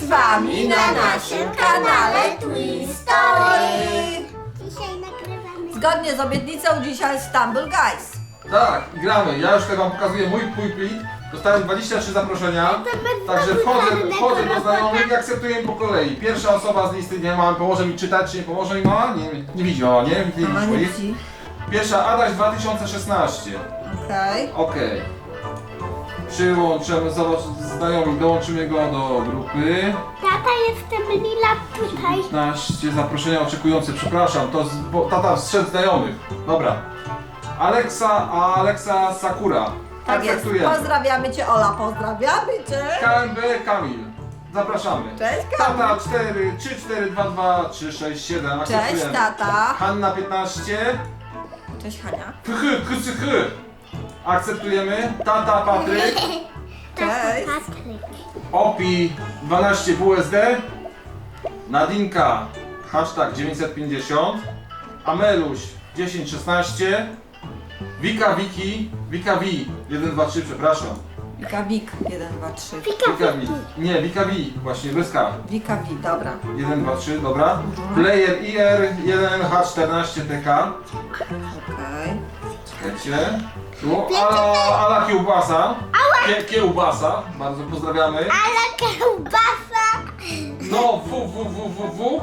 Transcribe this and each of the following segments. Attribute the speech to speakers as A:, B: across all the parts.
A: z wami na naszym kanale Twistory.
B: Dzisiaj nagrywamy.
A: Zgodnie z obietnicą dzisiaj Stumble Guys.
C: Tak, i gramy. Ja już tutaj wam pokazuję mój plik. Dostałem 23 zaproszenia. Także wchodzę do znajomych i akceptuję po kolei. Pierwsza osoba z listy, nie mama, pomoże mi czytać, czy nie pomoże mi mama? Nie widzi mama, nie? Nie
A: Mama nie
C: widzi.
A: widzi.
C: Pierwsza Adaś 2016.
A: Okej.
C: Okej. Przyłączymy, zobacz, znajomych, dołączymy go do grupy.
B: Tata, jestem Lila tutaj.
C: 15 zaproszenia oczekujące, przepraszam, bo tata wstrzedł znajomych. Dobra. Alexa Sakura.
A: Tak jest.
C: Akceptujemy.
A: Pozdrawiamy cię, Ola, pozdrawiamy cię.
C: KMB Kamil. Zapraszamy.
A: Cześć, Kamil.
C: Tata 4, 3, 4, 2, 2, 3, 6, 7.
A: Cześć,
C: Akceptujemy.
A: tata.
C: Hanna 15.
A: Cześć, Hania.
C: Kychy. Akceptujemy. Tata Patryk.
A: Cześć.
B: Patryk.
C: Opi 12 WSD. Nadinka hashtag 950. Ameluś 1016. Wika Wiki 123, przepraszam.
A: Wika Wik, 1, 2, 3.
C: Wika Wi. Nie, Wika Wi, właśnie bez K.
A: Wika Wik, dobra.
C: 1, 2, 3, dobra. Player IR 1H14TK.
A: Okej.
C: Czekajcie. Tu Ala Kiełbasa. Kiełbasa, bardzo pozdrawiamy.
B: Ale kiełbasa.
C: No, www.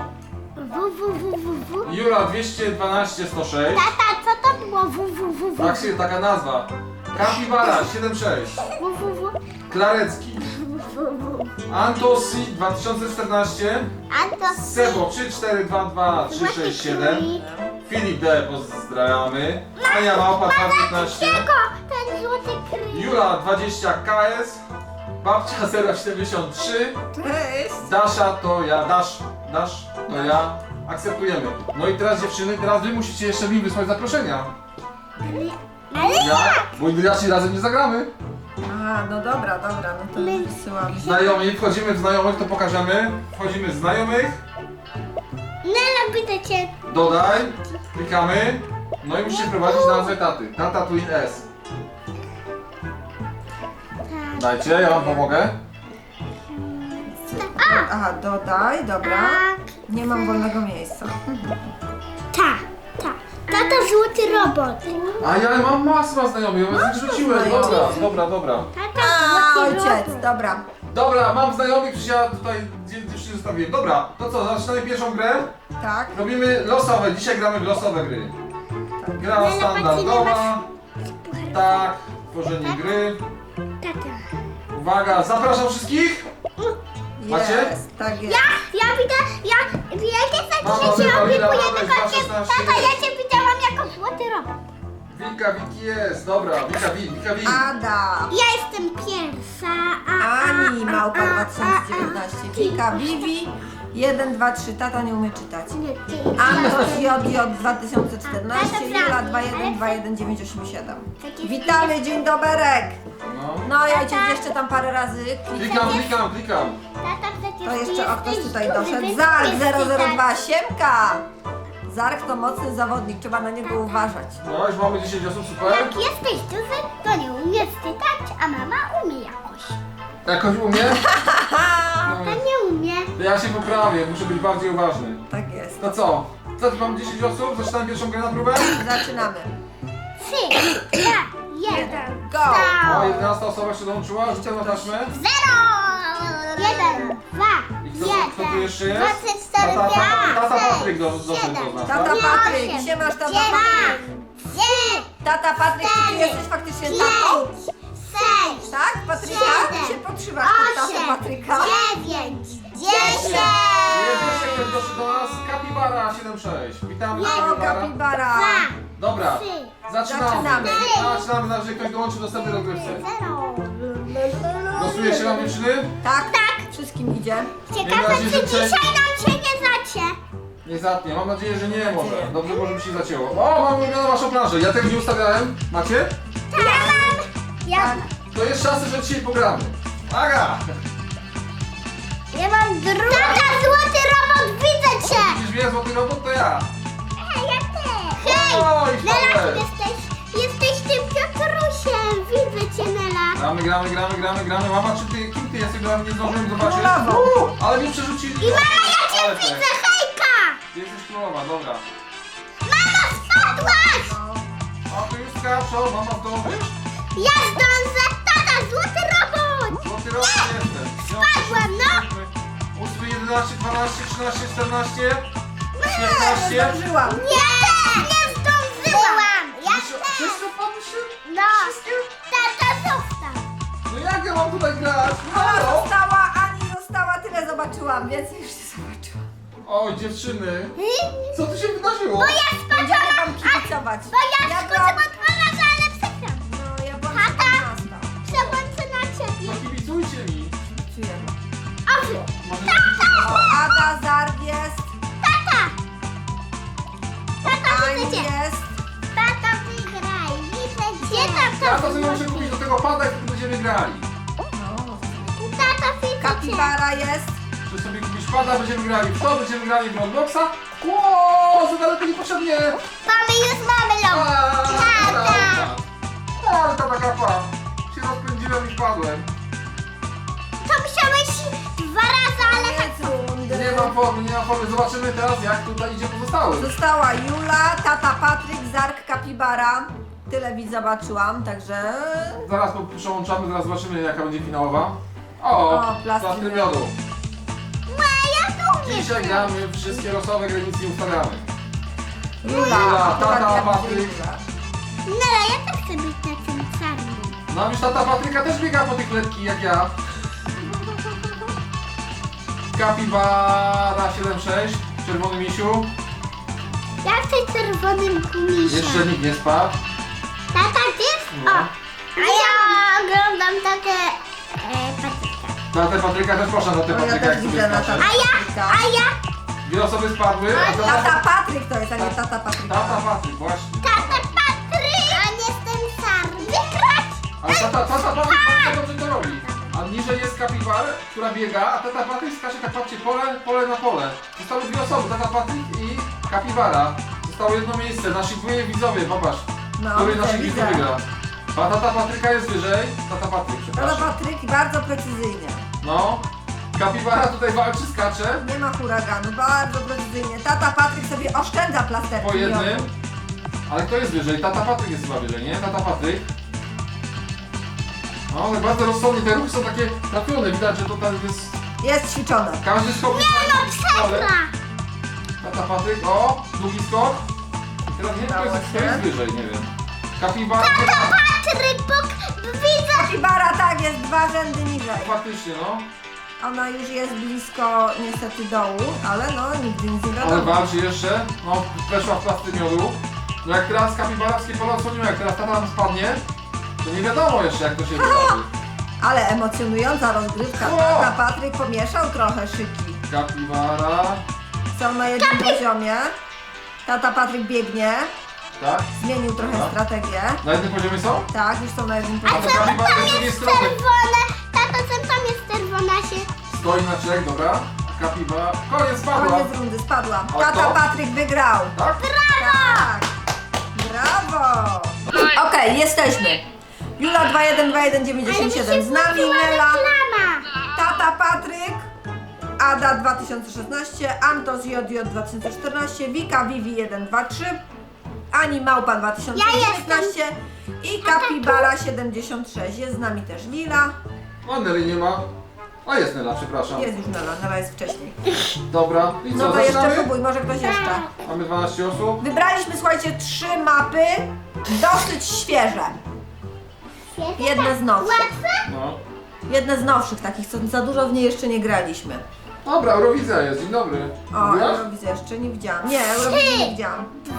C: Jura 212 106.
B: Tata, co to było? www?
C: Tak się taka nazwa. Kapibara 76. Klarecki. Antosi 2014.
B: Anto.
C: Sebo 3422367. Filip D pozdrawiamy. Ania Małpa 215.
B: Ten złoty kryj.
C: Jura 20 KS. Babcia 073.
A: Cześć.
C: Dasza to ja. Dasz to ja. Akceptujemy. No i teraz dziewczyny, teraz wy musicie jeszcze mi wysłać zaproszenia.
B: Ale
C: Ja? Bo inaczej razem nie zagramy.
A: Aha, no dobra, no to wysyłam.
C: Znajomi, wchodzimy w znajomych, to pokażemy. Wchodzimy w znajomych.
B: Nela, pyta cię.
C: Dodaj. Klikamy. No i musicie prowadzić nazwę taty. Tata Twin S. Dajcie, ja wam pomogę.
A: Aha, dodaj, dobra. Nie mam wolnego miejsca.
B: Tata, złoty robot.
C: A ja mam masę znajomych, ja was rzuciłem. Dobra.
B: Tata,
A: A,
B: złoty
A: ojciec,
B: robot.
A: dobra.
C: Dobra, mam znajomych, przecież ja tutaj dziewczyny zostawiłem. Dobra, to co, zaczynamy pierwszą grę?
A: Tak.
C: Robimy losowe, dzisiaj gramy w losowe gry. Gra standardowa. Tak, tworzenie gry.
B: Tata.
C: Uwaga, zapraszam wszystkich. Macie?
A: Jest, tak jest.
B: Ja widzę, wiecie,
C: Mama,
B: że się
C: Kamila,
B: opiekuję
C: Adaś,
B: tylko cię.
C: 216.
B: Tata, ja cię widziałam jako złoty robot.
C: Wiki jest, dobra, Wika.
A: Ada.
B: Ja jestem pierwsza,
A: Ani Małpa 2019. Wika Vivi 1, 2, 3. Tata nie umie czytać. Antoś JJ 2014. Jula 2121987. Witamy, dzień doberek. No ja cię jeszcze tam parę razy klikam.
C: Klikam.
B: Tata, przecież
A: To
B: ty
A: jeszcze o ktoś
B: jesteś
A: tutaj
B: duży,
A: doszedł.
B: więc
A: Zark
B: jesteś
A: 002 Siemka. Zark to mocny zawodnik, trzeba na niego uważać.
C: No już mamy 10 osób, super.
B: Jak jesteś duży, to nie umiesz czytać, a mama umie jakoś.
C: Jakoś umie?
B: To nie umie.
C: To ja się poprawię, muszę być bardziej uważny.
A: Tak jest.
C: To co? Mam 10 osób, zaczynamy pierwszą grę na próbę?
A: Zaczynamy.
B: 3, 2, 1.
A: Go!
C: O, 11 osoba jeszcze dołączyła, rzucamy na taśmę.
B: 0, 1, 2,
C: I kto tu jeszcze jest?
B: 24,
C: Tata Patryk doszedł do nas,
A: Tata
C: tak?
A: Patryk, siemasz tata Patryk. Tata Patryk, czy ty jesteś faktycznie tatą?
B: 6,
A: Tak, Patryka? Ty się podszywasz pod tatę Patryka.
B: 9, 10.
C: Jest jeszcze ktoś doszedł do nas, Kapibara 76. Witamy
A: O,
C: Kapibara.
A: kapibara.
C: Dobra, zaczynamy.
A: Zaczynamy.
C: Zaczynamy, na razie ktoś dołączy do następnej rozgrywce.
B: 0.
C: Losuje się nam dziewczyny?
A: Tak, wszystkim idzie.
B: Ciekawe, czy dzisiaj nam się nie zacie.
C: Nie zatnie, mam nadzieję, że nie może. Dobrze, może by się zacięło. O, mam ulubioną waszą planszę, ja tego nie ustawiałem. Macie?
B: Ja
C: To jest szansa, że dzisiaj pogramy. Aga!
B: mam drugą. Tata, złoty robot, widzę cię.
C: Widzisz mnie, złoty robot, to ja.
B: Ja też. Hej,
C: Oj,
B: Nela,
C: Paweł.
B: jesteś tym Piotrusiem. Widzę cię, Nela.
C: Gramy. Mama, czy ty, kim punkty, ja sobie nawet nie zdążyłem zobaczyć.
A: Królową.
C: Ale mnie przerzucili.
B: I mama, ja cię
C: Ale
B: widzę,
C: tak.
B: hejka!
C: Ty jesteś królowa, dobra.
B: Mama, spadłaś!
A: No.
C: A tu już skaczą, mama zdążysz?
B: Ja zdążę, tata, złoty robot!
C: Złoty rok jestem.
B: Spadłam, no.
C: 8, 11, 12, 13, 14,
A: Nie
C: 15.
A: zdążyłam.
B: Nie, nie zdążyłam! Ja
C: Wszystko padłyście?
B: No, tata, zostaw!
C: No jak ja mam tutaj grać?
A: Ola
C: Halo?
A: została, Ani została, tyle zobaczyłam, więcej już nie zobaczyłam.
C: Oj, dziewczyny, co tu się wydarzyło?
B: Bo ja
A: Będziemy
B: spadłam,
A: wam kibicować.
B: bo ja skoczyłam
A: byłam-
B: od 2 razy, ale przegram.
A: No, ja byłam
B: Tata.
A: 14.
B: Przełączę na ciebie.
C: No kibicujcie mi.
A: Czujemy.
B: Owy,
C: Może
A: O, Ada, Zark jest,
B: tata! Tata,
A: Ani
B: widzę cię.
A: jest.
B: Tata, wygraj, widzę cię. Gdzie tata?
C: Ja to sobie muszę kupić do tego pada, jak będziemy grali.
A: No.
B: Tata, widzę cię.
A: Kapibara jest.
C: Muszę sobie kupić pada, będziemy grali w to, będziemy grali w Robloxa. Ło, za daleko niepotrzebnie.
B: Mamy już mamy ląd. Tata!
C: Ale ta taka pa. Się rozpędziłem i wpadłem.
B: To musiałeś 2 razy, ale tak.
A: Koniec rundy.
C: Nie mam formy, nie mam formy. Zobaczymy teraz, jak tutaj idzie pozostały.
A: Została Jula, tata Patryk, Zark, Kapibara. Tyle widz zobaczyłam, także...
C: Zaraz przełączamy, zaraz zobaczymy, jaka będzie finałowa. O,
A: plastry
C: plastry miodu.
B: Ja tu umiem.
C: Dzisiaj gramy wszystkie losowe gry, nic nie ustawiamy.
A: Jula,
C: Jula, tata,
A: akurat jak
C: Patryk.
A: Jula.
B: Nela, ja też chcę być takim czarnym.
C: No już tata Patryka też biega po tych letki jak ja. Kapibara 7-6, czerwony misiu.
B: Ja chcę czerwonym gumisiem.
C: Jeszcze nikt nie spadł.
B: Tata, ty?
C: No.
B: O, a ja oglądam takie Patryka.
C: Tatę Patryka też proszę, tatę
A: No, ja
C: Patryka
A: też
C: jak sobie
A: widzę na
C: skacze.
B: A ja?
C: Dwie osoby spadły, a to
A: Tata Patryk to jest, a nie tata Patryka.
C: tata Patryk, właśnie.
B: Tata Patryk! A nie jestem czarny. Wygrać!
C: Ale tata Patryk bardzo dobrze to robi. A niżej jest Kapibar, która biega, a tata Patryk skacze, tak patrzcie, pole na pole. Zostały dwie osoby, tata Patryk i Kapibara. Zostało jedno miejsce, nasi dwoje widzowie, popatrz.
A: No,
C: Który
A: widzę,
C: naszych widzów
A: widzę.
C: wygra. A tata Patryka jest wyżej, tata Patryk,
A: Tata
C: przepraszam.
A: Patryk bardzo precyzyjnie.
C: No, Kapibara tutaj walczy, skacze.
A: Nie ma huraganu, bardzo precyzyjnie. Tata Patryk sobie oszczędza plasterki.
C: Po jednym.
A: miodu.
C: Ale kto jest wyżej? Tata Patryk jest chyba wyżej, nie? Tata Patryk. No, ale bardzo rozsądnie, te ruchy są takie trafione, widać, że to tam jest...
A: Jest ćwiczone.
C: Każdy skok jest
B: Przegra!
C: Tata Patryk, o, długi skok. I teraz nie wiem, kto jest wyżej, nie wiem. Kapibara,
B: Patryk, widzę!
A: Kapibara tak, jest 2 rzędy niżej.
C: faktycznie, no.
A: Ona już jest blisko niestety dołu, ale no nigdy nic nie
C: Ale
A: wiadomo.
C: walczy jeszcze, no, weszła w plasty miodu. No jak teraz kapibarowskie pole odsłoniło, jak teraz tata nam spadnie, to nie wiadomo jeszcze, jak to się wydarzy.
A: Ale emocjonująca rozgrywka.
C: O!
A: Tata Patryk pomieszał trochę szyki.
C: Kapibara,
A: Są na jednym poziomie. Tata Patryk biegnie,
C: tak?
A: zmienił trochę
C: Tak.
A: strategię.
C: Na jednym poziomie są?
A: Tak, już są na jednym
C: A
A: poziomie.
C: to kapibara
B: Tam
C: z drugiej
B: jest
C: strony.
B: czerwone. Tato, co tam jest czerwona się?
C: Stoi na czek, dobra. Kapibara, koniec, spadła.
A: Koniec rundy, spadłam.
C: A
A: Tata
C: kto?
A: Patryk wygrał.
C: Tak?
A: Tak. Brawo. Okej, jesteśmy. Jula 212197 z nami, Nela,
B: Reklama!
A: Tata Patryk, Ada 2016, Antos JJ 2014, Wika Vivi 123, Ani Małpa 2019 i Kapibara 76. Jest z nami też Lila.
C: O, Neli nie ma. A jest Nela, przepraszam.
A: Jest już Nela, Nela jest wcześniej.
C: Dobra, i co,
A: No to jeszcze
C: zaczynamy?
A: próbuj, może ktoś jeszcze.
C: Mamy 12 osób.
A: Wybraliśmy, słuchajcie, 3 mapy, dosyć świeże. Jedne z nowszych.
B: Łatwe?
C: No.
A: Jedne z nowszych takich, co za dużo w niej jeszcze nie graliśmy.
C: Dobra, Eurowizja jest, dzień dobry.
A: O,
C: Mówiłaś?
A: Eurowizję jeszcze nie widziałam. Nie, Eurowizję nie widziałam.
B: 2,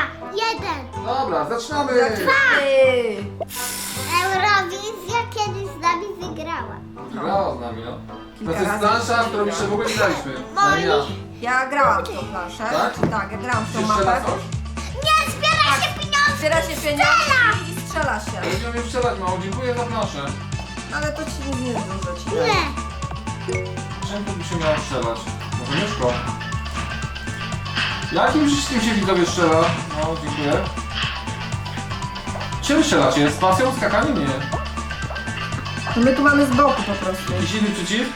B: 1.
C: Dobra, zaczynamy!
A: Ej,
B: Eurowizja kiedyś z nami wygrała.
C: Grała z nami, no. To
A: Kilka
C: jest
A: razy
C: plansza, którą jeszcze w ogóle nie graliśmy.
B: Moi.
C: Ja.
A: Ja grałam w tą planszę.
C: Tak?
A: Tak, ja grałam w tą
C: Czy strzela
A: mapę.
C: coś?
B: Nie, zbiera się pieniądze!
A: Zbiera się pieniądze i strzela się.
C: Będziemy mnie strzelać mało, dziękuję za planszę.
A: Ale to ci nic nie dużo ci daje.
B: Nie.
C: Czym tu by się miało strzelać? Może myszko? Jakim wszystkim się widzowie strzela? No, dziękuję. Czym strzelacie? Z pasją? Skakaniem? Nie.
A: No my tu mamy z boku po prostu.
C: Jakiś inny przycisk?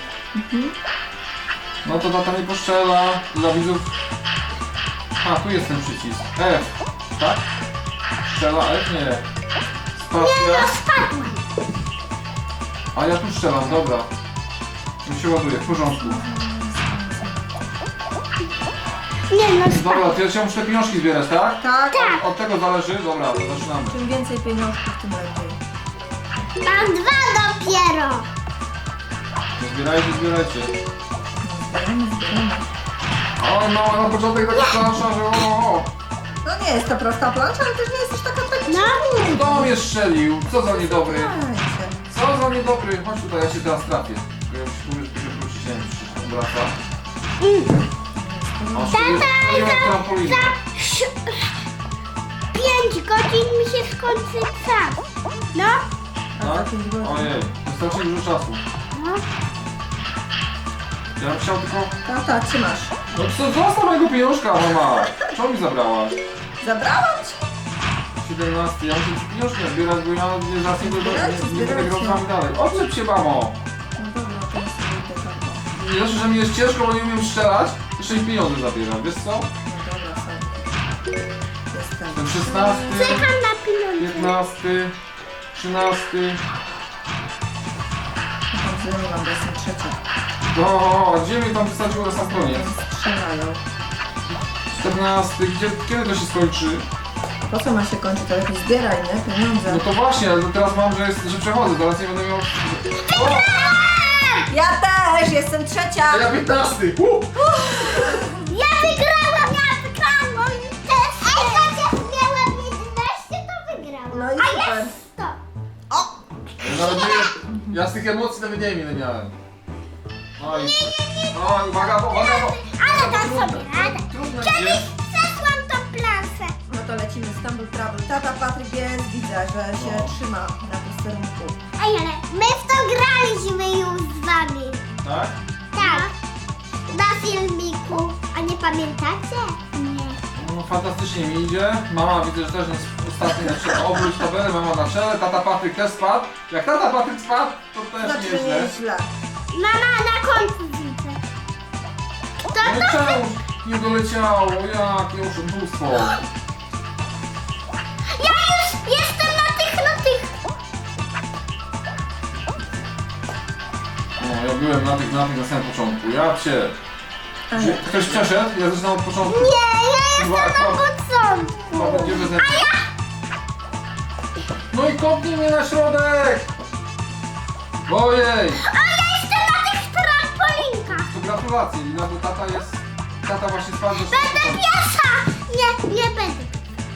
C: No to tata nie poszczela. Dla widzów... A, tu jest ten przycisk. F, tak? Strzela F? Nie. Spacja.
B: Spadłam.
C: A ja tu strzelam, dobra. Już się ładuje, w porządku.
B: Nie no,
C: Dobra, to ja się muszę te pieniążki zbierać, tak?
A: Tak.
C: Od tego zależy? Dobra, to zaczynamy.
A: Czym więcej pieniążków, tym lepiej.
B: mam 2 dopiero.
C: To zbierajcie, zbierajcie.
A: Zbieramy.
C: Oj, mama, na początek taka plansza, że o.
A: No nie jest to prosta plansza, ale też nie jest już taka tragiczna.
B: No,
C: Kto mnie strzelił? Co za niedobry?
A: Słuchajcie.
C: Co za niedobry? Chodź tutaj, ja się teraz trafię. Tylko ja już wrócić, nie wiem, czy się wraca. O, strzeliłem w trampolinę.
B: za 5 godzin mi się skończy czas. No,
A: A
C: Tak?
A: za 5 godzin.
C: Ojej, wystarczy dużo czasu.
B: no.
C: Ja bym chciał tylko...
A: Tata, trzymasz.
C: No co, zostaw mojego pieniążka, mama! Czemu mi zabrałaś?
A: Zabrałam ci.
C: 17, ja muszę ci pieniążki zbierać, bo ja zaraz nie będę
A: Zbierajcie.
C: grał z wami dalej. Odczep się, mamo!
A: No dobra, to ja sobie idę tam.
C: Nie znaczy, że mi jest ciężko, bo nie umiem strzelać, jeszcze mi pieniądze zabieram, wiesz co?
A: No dobra, sobie. Jestem.
C: Ten 16,
B: Czekam na pieniądze.
C: 15, 13,
A: Tam nie mam, bo jestem trzecia.
C: no, a gdzie mnie tam wysadziło na sam koniec?
A: Strzelają.
C: 14, kiedy to się skończy?
A: Po co ma się kończyć? To lepiej zbieraj, nie? Pieniądze.
C: No to właśnie, ale teraz mam, że przechodzę, zaraz nie będę miał... O!
A: Ja też! Jestem trzecia!
C: A ja 15!
B: Ja wygrałam. Też. Ej, chociaż miałam 11, to wygrałam.
A: No i
B: A
A: super.
B: jest 100.
A: O!
C: Nawet nie, ja z tych emocji nawet nie wiem ile miałem. Oj, oj, uwaga, uwaga, bo...
B: Ale dam sobie radę.
C: Trudne
B: Kiedyś
C: jest.
B: przeszłam tą plansę.
A: No to lecimy z Stumble Trouble. Tata Patryk jest, widzę, że się
C: No.
A: trzyma na posterunku.
B: Ej, ale my w to graliśmy już z wami.
C: Tak?
B: Tak. Na filmiku. A nie pamiętacie? Nie.
C: No fantastycznie mi idzie. Mama widzę, że też jest ostatni na czele. Obróć tabelę, mama na czele, tata Patryk też spadł. Jak tata Patryk spadł, to też
A: Znaczy
C: nieźle.
A: nieźle.
B: Mama na końcu widzę. Kto
C: No i
B: to?
C: czemu nie doleciało? Jakie oszustwo.
B: Ja już jestem na tych.
C: No, ja byłem na tych na samym początku. Ja cię.
A: A
C: Czy
A: nie.
C: ktoś przeszedł? Ja zaczynam od początku.
B: Nie, ja
C: Chyba
B: jestem na
C: akurat-
B: początku.
C: chyba będzie bez No i kopnij mnie na środek! Ojej!
B: A ja jestem na tych trampolinkach.
C: To gratulacje, Lina, bo tata jest... Tata właśnie spadł do
B: Będę pierwsza. Nie będę.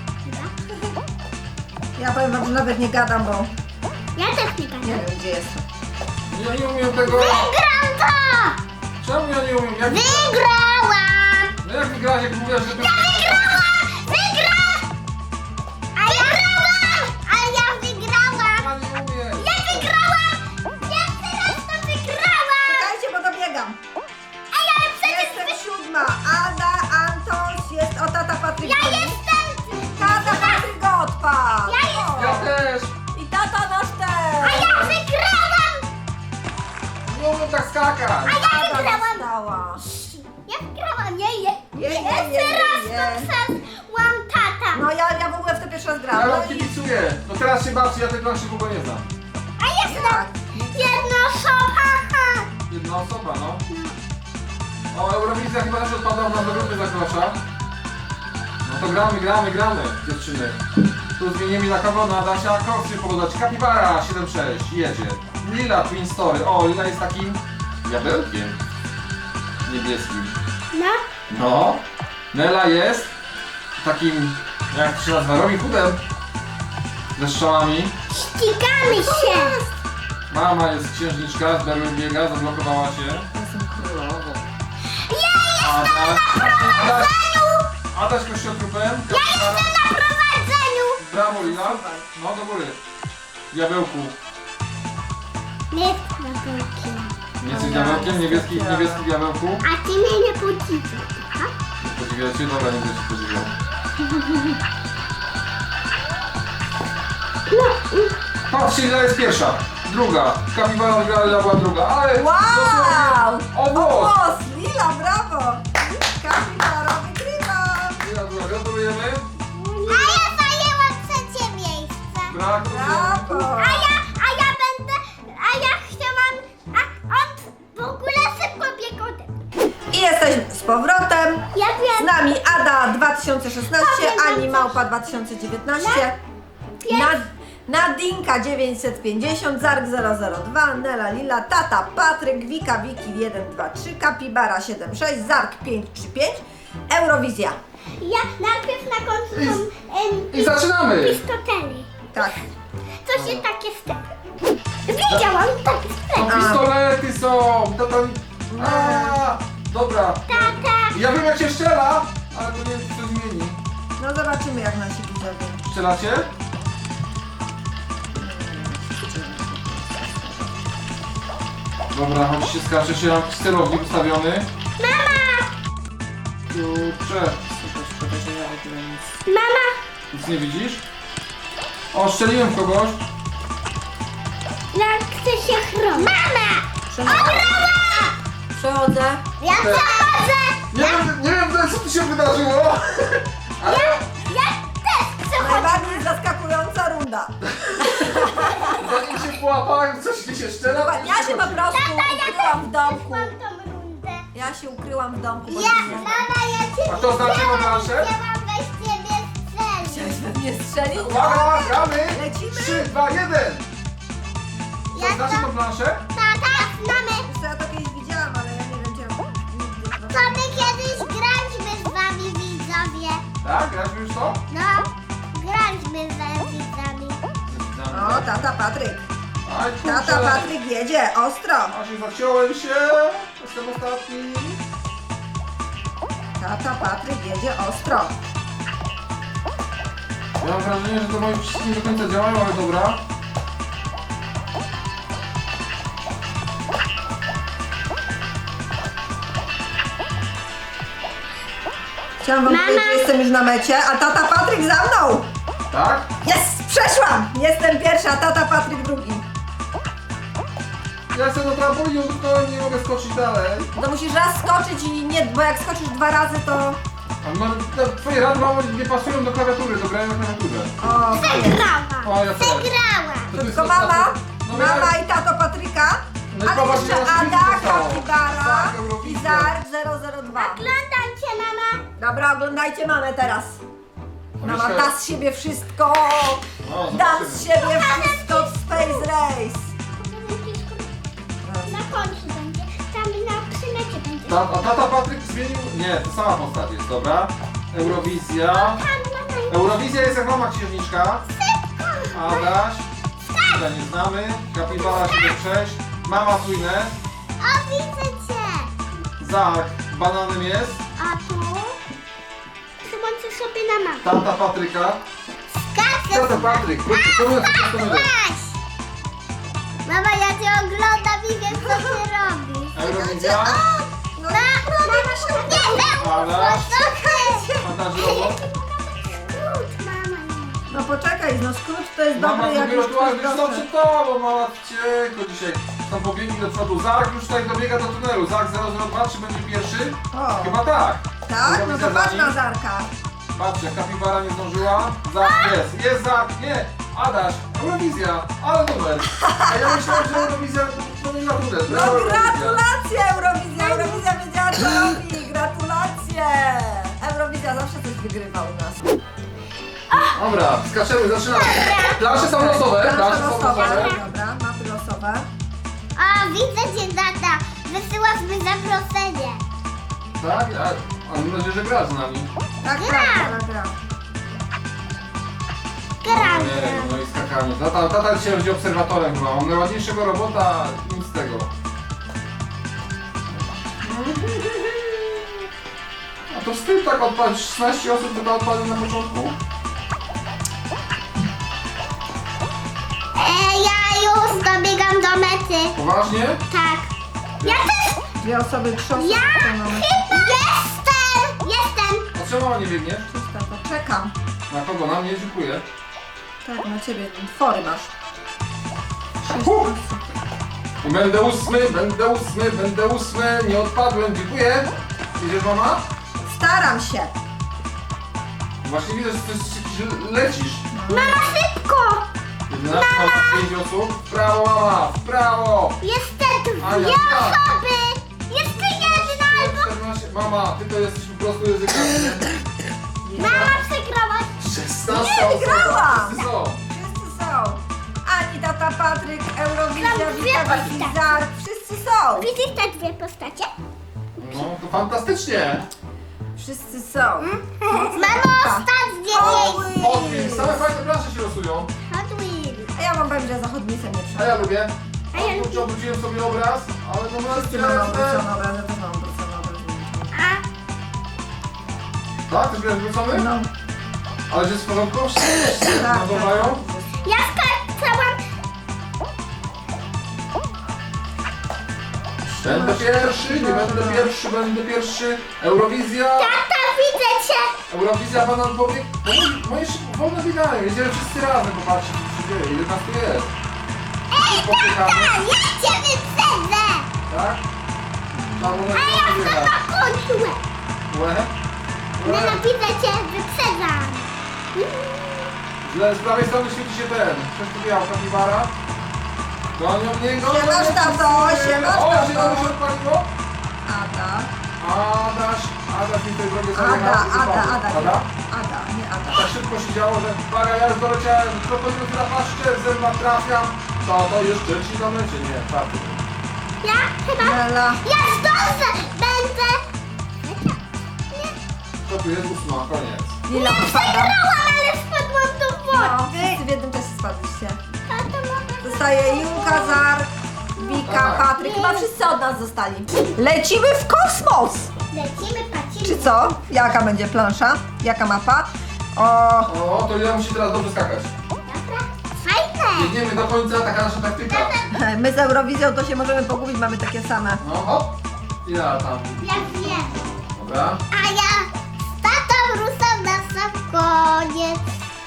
A: Ja powiem wam, że nawet nie gadam, bo
B: Ja też nie
A: nie
B: będę.
A: wiem gdzie jestem.
C: Ja nie umiem tego...
B: Wygram to!
C: Czemu ja nie umiem? Jak...
B: Wygrałam!
C: No jak wygrać, jak mówiłaś, że...
B: Wygrałam! Wygrałam! A ja wygrałam! A ja wygrałam!
C: Ja nie umiem!
B: Ja wygrałam! Pierwszy raz to wygrałam!
A: Czekajcie, bo dobiegam.
B: Ej, ale przecież
A: Jestem siódma. Ada, Antos, jest o tata Patryk.
B: ja jestem...
A: Tata Patryk go odpadł.
B: Ja jestem-
C: Ja też!
A: I tata nasz
B: A
A: też.
B: ja wygrałam!
C: Nie umiem tak skakać!
B: A ja
A: Ada
B: wygrałam!
A: dostała.
B: Ja wygrałam! Nie.
A: Je.
B: Teraz to przeszłam tata!
A: No ja w ogóle w to pierwszy raz
C: Ja
A: grałam.
C: wam
A: No i
C: kibicuję! No teraz się bawcie, ja tej planszy w ogóle nie znam.
B: A jestem
A: tak.
B: jedna osoba!
C: Jedna osoba, no. O, Eurowizja chyba też odpadła nam do grupy zaklacza. No to gramy, dziewczyny. Tu zmienimy na kawona, Adasia, Koksy podać, Kapibara 7-6, jedzie. Lila Twin Story, o, Lila jest takim diabełkiem niebieskim.
B: No.
C: No. Nela jest takim, jak to się nazywa, Robin Hoodem. Ze strzałami.
B: Ścigamy się!
C: Mama jest księżniczka, z berły biega, zablokowała się.
A: Jestem królową.
C: Adaś kościotrupem.
B: Ja jestem na prowadzeniu!
C: Brawo Lila. No do góry. Diabełku.
B: Nie jestem na wielkim.
C: Nie jesteś diabełkiem? Niebieski diabełku?
B: A ty mnie nie podziwiasz, ha?
C: Podziwiacie? Dobra, nie będę się podziwiał.
B: No,
C: Patrzcie, Lila jest pierwsza. druga. Kapibara wygrała, Lila była druga. Ale
A: Wow!
C: dosłownie o włos.
A: włos! Lila, brawo! Kapibara wygrywa!
C: Lila była, gratulujemy.
B: A ja zajęłam trzecie miejsce.
C: Gratulujemy.
A: Brawo!
B: A ja chciałam, on w ogóle szybko biegł ode mnie.
A: I jesteśmy z powrotem.
B: Ja
A: Z
B: wiem.
A: nami Ada 2016, Ani Małpa 2019, Nadinka 950, Zark 002, Nela Lila, Tata Patryk, Wika Wiki 123, Kapibara 76, Zark 535, Eurowizja.
B: Ja najpierw na końcu są
C: I zaczynamy.
B: pistoteli.
A: Tak.
B: Co się takie stepy? Widziałam takie
C: To
B: stepy.
C: pistolety są. To tam... A, dobra.
B: Tata.
C: Ja wiem jak się strzela, ale to nie wiem, czy się zmieni.
A: No zobaczymy jak nasi widzowie.
C: Strzelacie? Dobra, chodź się skacze, się mam celownik ustawiony.
B: Mama!
C: Kurczę.
B: Mama!
C: Nic nie widzisz? O, strzeliłem w kogoś.
B: Ja chcę się chronić. Mama!
A: Przechodzę.
B: Ja przechodzę!
C: Nie wiem co tu się wydarzyło. Ale
B: Ja też przechodzę!
A: Najbardziej zaskakująca runda.
C: zanim się połapałem, coś mi się strzela. to już
A: Ja się po prostu ukryłam w domku.
B: Mam tą rundę.
A: Ja się ukryłam w domku. bo
B: Ja,
A: nie znam.
B: mama, ja cię
C: A to znaczy na planszę?
B: chciałam weź ciebie strzelić.
A: Chciałeś we mnie strzelić?
C: Uwaga, gramy!
A: Lecimy?
C: 3, 2, 1!
B: Ja
C: To znaczy tą planszę?
B: Tata, mamy.
A: Wiesz co, ja to kiedyś widziałam, ale ja nie wiem, czy ja nigdy...
B: To my kiedyś graliśmy z wami widzowie.
C: Tak, graliśmy już to?
B: No, graliśmy z widzami.
A: O, tata Patryk.
C: Aj,
A: Tata
C: kurczę.
A: Patryk jedzie, ostro.
C: A się zaciąłem się. Jestem ostatni.
A: Tata Patryk jedzie ostro.
C: Ja mam wrażenie, że to moje przyciski nie do końca działają, ale dobra.
A: Chciałam wam
B: Mama.
A: powiedzieć, że jestem już na mecie, a tata Patryk za mną.
C: Tak?
A: Jest, przeszłam. Jestem pierwsza, a tata Patryk drugi.
C: Ja chcę do trampolinu, tylko nie mogę skoczyć dalej.
A: To musisz raz skoczyć i nie, bo jak skoczysz 2 razy, to...
C: A no, twoje rady mamo nie pasują do klawiatury, do grania na klawiaturze.
A: O,
B: Przegrałam.
C: O, ja też.
B: Przegrałam.
C: To ty
A: tylko
C: są-
A: mama,
C: no,
A: mama
C: ja-
A: i tato Patryka,
C: No i
A: ale
C: popatrz,
A: jeszcze
C: ile nas
A: Ada,
C: widzów zostało.
A: Kapibara
C: Tak,
A: i
C: Eurowizja.
A: Zark 002.
B: Oglądam cię, mama.
A: Dobra, oglądajcie mamę teraz. Mama
C: Myślę-
A: da z siebie wszystko.
C: No,
A: Da
C: zobaczymy.
A: z siebie wszystko w Space Race.
B: Na końcu będzie. Tam na przymecie będzie.
C: A tata Patryk zmienił... Nie, to sama postać jest, dobra. Eurowizja.
B: Tam, mama.
C: Eurowizja jest jak mama księżniczka. Adaś. Tutaj nie znamy. Kapibara 76. Mama Twinę.
B: O, widzę cię.
C: Zark bananem jest.
B: A tu? Przyłączę sobie na mamę.
C: Tata Patryka.
B: Skaczę.
C: Tata Patryk. Próbuję to
B: Weź. Mama, ja cię oglądam i wiem, co ty robisz.
C: Eurowizja.
A: No,
B: Mama się nie
C: Adaś.
B: Skrót,
C: Adaś Robo.
B: mama.
A: no poczekaj, no skrót to jest
C: Mama
A: dobry jak
C: zrobiła
A: już
C: tu, ale
A: ktoś
C: wiesz co,
A: proszę.
C: przed tobą, mama cienko dzisiaj. Tam pobiegli do przodu. Zark już tutaj dobiega do tunelu. Zark 002, czy będzie pierwszy?
A: O.
C: Chyba tak.
A: Tak? No
C: Eurowizja
A: to
C: za
A: patrz
C: nim.
A: na Zarka.
C: Patrzcie, Kapibara nie zdążyła. Zark jest. Jest Zark. Nie. Adaś. Eurowizja. Ale numer. A ja myślałem, że Eurowizja to nie na tunel.
A: No gratulacje Eurowizja! Eurowizja wiedziała co robi! Gratulacje! Eurowizja zawsze coś wygrywa u nas.
C: Dobra, skaczemy, zaczynamy. Plansze są losowe. Plansze są
A: losowe.
C: losowe.
A: Dobra, mapy losowe.
B: O, widzę cię, tata. Wysyłasz mi zaproszenie.
C: Tak? A mam nadzieję, że gra z nami.
A: Tak,
B: Gra.
A: tak, gra.
B: Gram.
C: Nie, no i skakanie. Tata dzisiaj będzie obserwatorem chyba. Mam najładniejszego robota, nic z tego. A to wstyd tak odpalić. 16 osób chyba odpalił na początku.
B: Ja już dobiegam do mety.
C: Poważnie?
B: Tak. Ja też.
A: 2 osoby krzosą.
B: Ja chyba jestem.
C: A czemu mama nie biegnie?
A: Czysta, to czekam.
C: Na kogo? Na mnie? Dziękuję.
A: Tak, na ciebie. Fory masz.
C: Będę ósmy, nie odpadłem, dziękuję. Idziesz, mama?
A: Staram się.
C: Właśnie widzę, że ty lecisz.
B: Mama, szybko!
C: 11, mam 5 osób. W prawo, mama, w prawo.
B: Jeszcze
C: Ania,
B: dwie
C: tak.
B: osoby! Jeszcze jedna albo...
C: 14, mama, ty to jesteś po prostu ryzykowny.
B: Mama przegrała.
C: 16
A: Nie, wygrałam.
C: Wszyscy są.
A: Wszyscy są. Ani tata Patryk, Eurowizja,
B: Są dwie
A: Wika,
B: postacie.
A: Wizar, wszyscy są.
B: Widzisz te dwie postacie?
C: No, to fantastycznie.
A: Wszyscy są.
B: Mamo, ostatnie miejsce!
C: Odwin, same fajne plansze się losują.
B: Hot Wheels.
A: A ja mam powiem, że za chodnicę nie
C: A
A: przyszedł.
C: ja lubię.
B: A ja lubię.
C: Obróciłem sobie obraz, ale to
A: Wszyscy mamy obrócony obraz, ja też mam obrócony obraz.
B: A
C: Tak? Też będziesz wrócony?
A: No.
C: Ale że jest w porządku? Wszyscy
A: Tak,
C: nagowają?
B: ja skakałam.
C: Będę pierwszy, nie będę pierwszy. Eurowizja.
B: Tata, widzę cię!
C: Eurowizja banan pobieg. Moje szybko wolno biegają. Jedziemy wszyscy razem, popatrzcie co się dzieje. Ile nas tu jest.
B: Ej,
C: Pobiegamy.
B: tata, ja cię wyprzedzę!
C: Tak? Trzeba było
B: A ja chcę
C: biegać.
B: na końcu.
C: Łe?
B: Nienawidzę cię, wyprzedzam.
C: Źle, z prawej strony świeci się ten. Coś tu biał, kapibara. Gonią mnie, gonią mnie.
A: Siemasz, tato, siemasz,
C: O,
A: tato.
C: się nam się odpaliło.
A: Ada.
C: Adaś mi tej drogę
A: Ada, nie Ada.
C: Tak szybko się działo, że uwaga, ja już doleciałem, krokodyl na paszczę, w zęba trafiam. To jeszcze ci na mecie, nie, tak.
B: Ja chyba...
A: Nela.
B: Ja zdążę! Będę...
C: To tu jest 8, koniec.
A: Lila
B: Nie
A: spada.
B: przegrałam, ale spadłam do
A: No,
B: wody.
A: wszyscy w jednym czasie spadliście.
B: Tato, mogę...
A: Zostaje Julka, Zar, Wika,
C: Tak.
A: Patryk. Chyba wszyscy od nas zostali. Lecimy w kosmos!
B: Lecimy, patrzymy.
A: Czy co? Jaka będzie plansza? Jaka mapa? O,
C: O, to ja musi teraz dobrze skakać.
B: Dobra. Fajne.
C: Biegniemy do końca, taka nasza taktyka.
A: my z Eurowizją to się możemy pogubić, mamy takie same.
C: No hop. Ja tam.
B: Ja wiem.
C: Dobra.
B: A ja z tatą ruszam na sam koniec.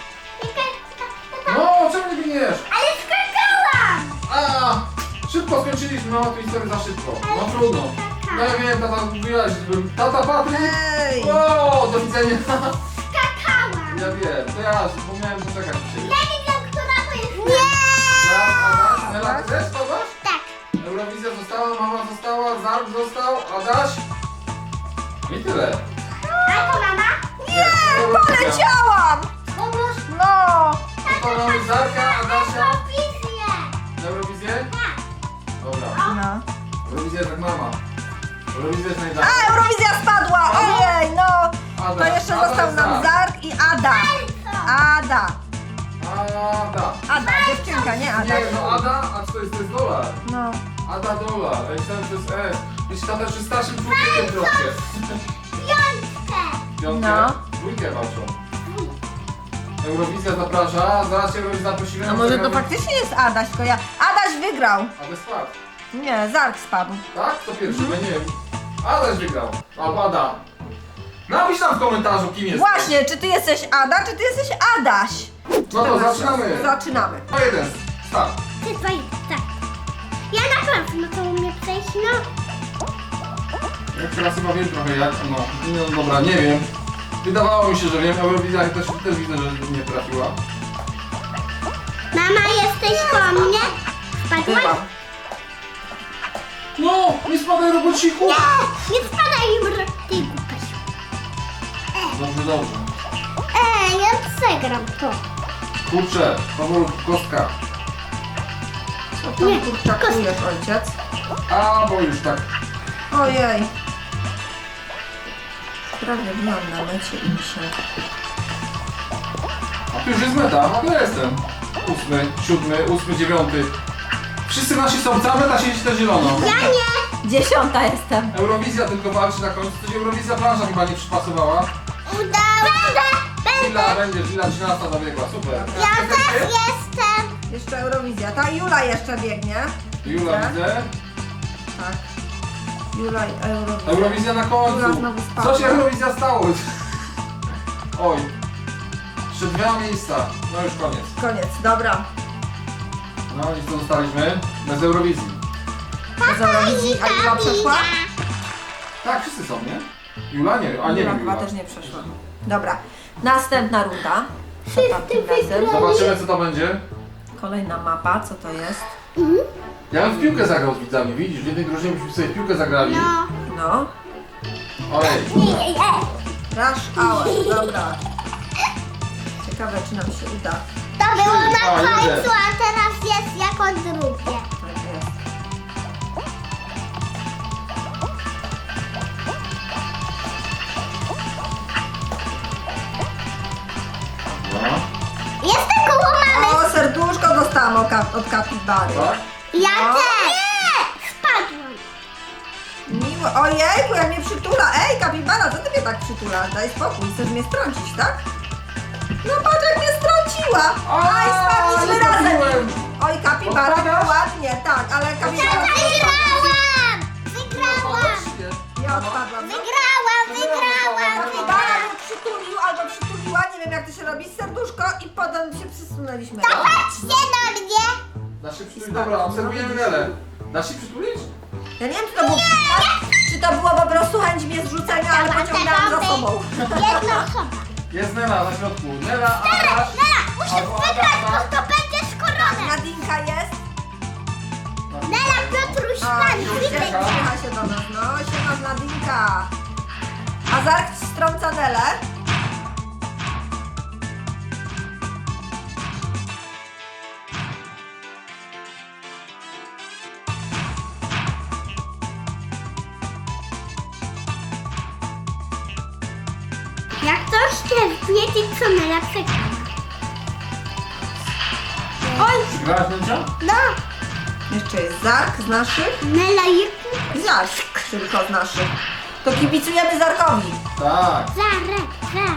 C: No, czemu nie biegniesz?
B: Ale skakałam!
C: A, szybko skończyliśmy, mama tu historię za szybko. No trudno. No ja wiem, tata mówiłaś, żebym... Tata Patryk!
A: Ej!
C: O, do widzenia.
B: Skakałam!
C: Ja wiem, to ja zapomniałem poczekać na ciebie.
B: Ja nie wiem, która to jest. Nie!
C: Tak, Adaś, Nela, chcesz kogoś?
B: Tak.
C: Eurowizja została, mama została, Zark został, Adaś. I tyle.
B: A to mama?
C: Nie,
A: Poleciałam!
B: Pomóż.
A: No!
C: To mamy Zarka, Adasia.
B: Wizję.
C: Na Eurowizję?
B: Tak.
C: Dobra.
A: No.
C: Eurowizja jest jak mama. Eurowizja jest najdalej.
A: A, Eurowizja spadła! Ojej, no! To
C: Adaś,
A: jeszcze
C: Adaś,
A: został nam Zark i Ada. Ada.
C: Ada.
A: Ada, dziewczynka, nie Ada.
C: Nie, no Ada, a co to jest? To jest dolar.
A: No.
C: Ada dolar. Ja myślałem, że to jest S. Jeśli tata jeszcze starszym człowiekiem troszkę.
B: Piątkę.
C: Piątkę?
A: No.
C: Dwójkę walczą. Eurowizja zaprasza, zaraz się Eurowizja zaprosimy.
A: A może to faktycznie jest Adaś, tylko ja... Adaś wygrał.
C: Adaś spadł.
A: Nie, Zark spadł.
C: Tak? To pierwszy, ja nie wiem. Adaś wygrał. Albo Ada. Napisz tam w komentarzu, kim jest.
A: Właśnie, czy ty jesteś Ada, czy ty jesteś Adaś?
C: No to zaczynamy.
A: Zaczynamy.
C: No jeden. Start.
B: Ty dwaj, tak. Ja na pewno to umiem przejść, no.
C: Ja teraz chyba wiem trochę jak, no dobra, nie wiem. Wydawało mi się, że wiem, Eurowizja też widzę, że nie trafiła.
B: Mama, jesteś koło mnie? Spadłaś?
A: Chyba.
C: No, nie spadaj robociku!
B: Nie, nie spadaj im ty głupasiu.
C: Dobrze, dobrze.
B: Ja przegram to.
C: Kurczę, powolutku, kostka.
A: Co
B: Nie,
A: tam kurczakujesz, ojciec?
C: A, bo już tak.
A: Ojej. Prawie byłam na mecie i mi się...
C: A tu już jest meta, a to ja jestem. 8, 7, 8, 9. Wszyscy nasi są, cała meta siedzi na zielono.
B: Ja nie.
A: 10 jestem.
C: Eurowizja tylko walczy na końcu, coś Eurowizja plansza chyba nie przypasowała.
B: Udało. Będę.
C: Lila będzie, Lila 13 zabiegła, super.
B: Ja też jestem.
A: Jeszcze Eurowizja. Ta Jula jeszcze biegnie.
C: Jula widzę.
A: Tak. Jula i Eurowizja.
C: Eurowizja na
A: Jula
C: końcu.
A: znowu spadła.
C: Co się Eurowizja stało? Oj. Jeszcze 2 miejsca. No już koniec.
A: Koniec, dobra.
C: No i co zostaliśmy? Bez Eurowizji.
A: Bez Eurowizji, a Jula przeszła?
C: Tak, wszyscy są, nie? Jula nie, a nie
A: Jula
C: wiem
A: chyba
C: Jula.
A: też nie przeszła. Dobra, następna runda. Co tam tym razem?
C: Zobaczymy co to będzie.
A: Kolejna mapa, co to jest?
C: Ja bym w piłkę zagrał z widzami, widzisz? W jednej drużynie byśmy sobie w piłkę zagrali.
B: No.
A: No,
C: Ojej.
A: Rush Hour, dobra. Ciekawe, czy nam się uda.
B: To było na
C: A,
B: końcu,
C: jedzie.
B: a teraz jest jako drugie.
A: Tak jest.
C: No.
B: Jestem koło mamy.
A: O, serduszko dostałam od kapibary.
C: Tak?
B: Ja
A: No.
B: też. Nie, spadłam.
A: Miło. Ojejku, jak mnie przytula. Ej, kapibara, co ty mnie tak przytulasz? Daj spokój, chcesz mnie strącić, tak? No patrz, jak mnie strąciła. Aj, spadliśmy
C: nie
A: razem.
C: trafiłem.
A: Oj, kapibara,
C: Odpadasz?
A: ładnie, tak, ale kapibara...
B: Wygrałam. Wygrałam.
A: Ja odpadłam. No.
B: Wygrałam.
A: Kapibara mnie przytulił albo przytuliła, nie wiem jak to się robi, serduszko i potem się przysunęliśmy.
B: Patrzcie na mnie.
C: Da się przytulić? Dobra, obserwujemy Nelę. Da się przytulić?
A: Ja nie wiem, czy to było po prostu chęć mnie zrzucenia, ale pociągałam za sobą.
B: Jedna osoba.
C: Jest Nela na środku. Nela, Adaś.
B: Musisz
C: Albo
B: wygrać,
C: Agata.
B: bo to będziesz koroną.
A: Nadinka jest.
B: Nela, Piotruś,
A: O,
B: pan,
A: uśmiecha się do nas, no, siema z Nadinka. A Zark strąca Nelę.
B: Jak ktoś chce wiedzieć, co Nela przegrała. Oj,
C: Grałaś Nęcia?
B: no,
A: Jeszcze jest Zark z naszych
B: Nela jest
A: i Zark tylko z naszych. To kibicujemy Zarkowi.
C: Tak.
B: Zarek.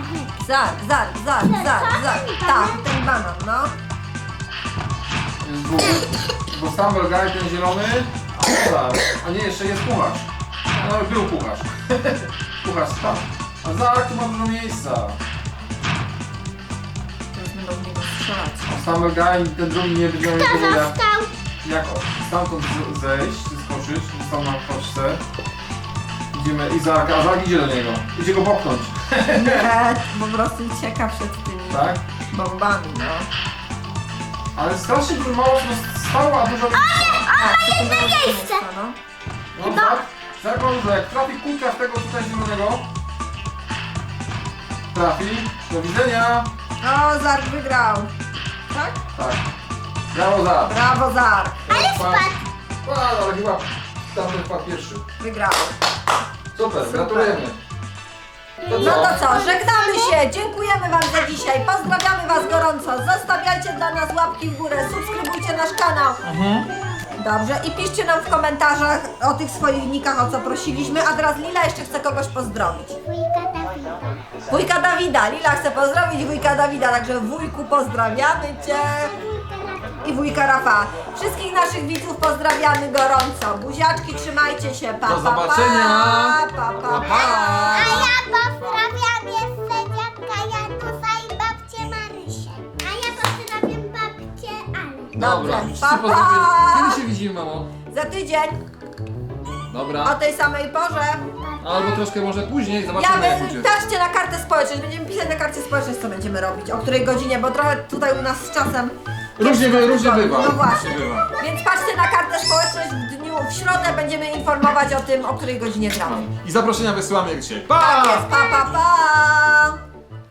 A: Zark. Tak, ten banan, no.
C: Jest dwóch. Bo Stumble Guy, ten zielony. A nie, jeszcze jest kucharz. No, był kucharz. Kucharz spadł. A Zark tu ma dużo miejsca.
A: Teraz będą w niego strzelać.
C: A Stumble Guy, ten drugi nie będzie miał
B: Kto
C: jego jak,
B: został?
C: jak stamtąd zejść, skoczyć. Został na koczce. Idziemy i Zark, a Zark idzie do niego. Idzie go popchnąć.
A: Nie, po prostu ucieka przed tymi
C: Tak?
A: bombami, no.
C: Ale strasznie dużo mało stała, a dużo...
A: Tak, to
B: jedno
A: było
B: miejsce.
A: no.
C: No tak, Zark ma dużo. Jak trafi kulka w tego tutaj zielonego... Trafi. Do widzenia.
A: O, Zark wygrał. Tak?
C: Tak. Brawo Zark.
A: Brawo, Zark.
B: Ale spadł.
C: Ale chyba tamten wpadł pierwszy.
A: Wygrał.
C: Super, gratulujemy. To
A: No to co, żegnamy się, dziękujemy Wam za dzisiaj, pozdrawiamy Was gorąco, zostawiajcie dla nas łapki w górę, subskrybujcie nasz kanał. Dobrze, i piszcie nam w komentarzach o tych swoich nikach, o co prosiliśmy, a teraz Lila jeszcze chce kogoś pozdrowić.
B: Wujka Dawida.
A: Wujka Dawida, Lila chce pozdrowić wujka Dawida, także wujku pozdrawiamy Cię. I wujka Rafała. Wszystkich naszych widzów pozdrawiamy gorąco. Buziaczki, trzymajcie się. Pa,
C: Do
A: pa,
C: zobaczenia.
A: Pa, pa,
C: Pa,
A: pa.
C: pa.
B: A ja pozdrawiam jeszcze dziadka Janusa i babcię Marysię. A ja pozdrawiam babcię Ale.
A: Dobrze,
C: wszyscy
A: pa,
C: pozdrowieni.
A: pa.
C: Kiedy się widzimy, mamo?
A: Za tydzień, o
C: Dobra.
A: tej samej porze.
C: Albo troszkę może później,
A: Ja
C: zobaczymy jak będzie.
A: patrzcie na kartę społeczność. Będziemy pisać na karcie społeczność, co będziemy robić, o której godzinie, bo trochę tutaj u nas z czasem...
C: Różnie bywa.
A: No właśnie.
C: Różnie bywa.
A: Więc patrzcie na kartę społeczność w środę będziemy informować o tym, o której godzinie gramy.
C: I zaproszenia wysyłamy jak dzisiaj.
A: Tak jest, pa, pa, pa!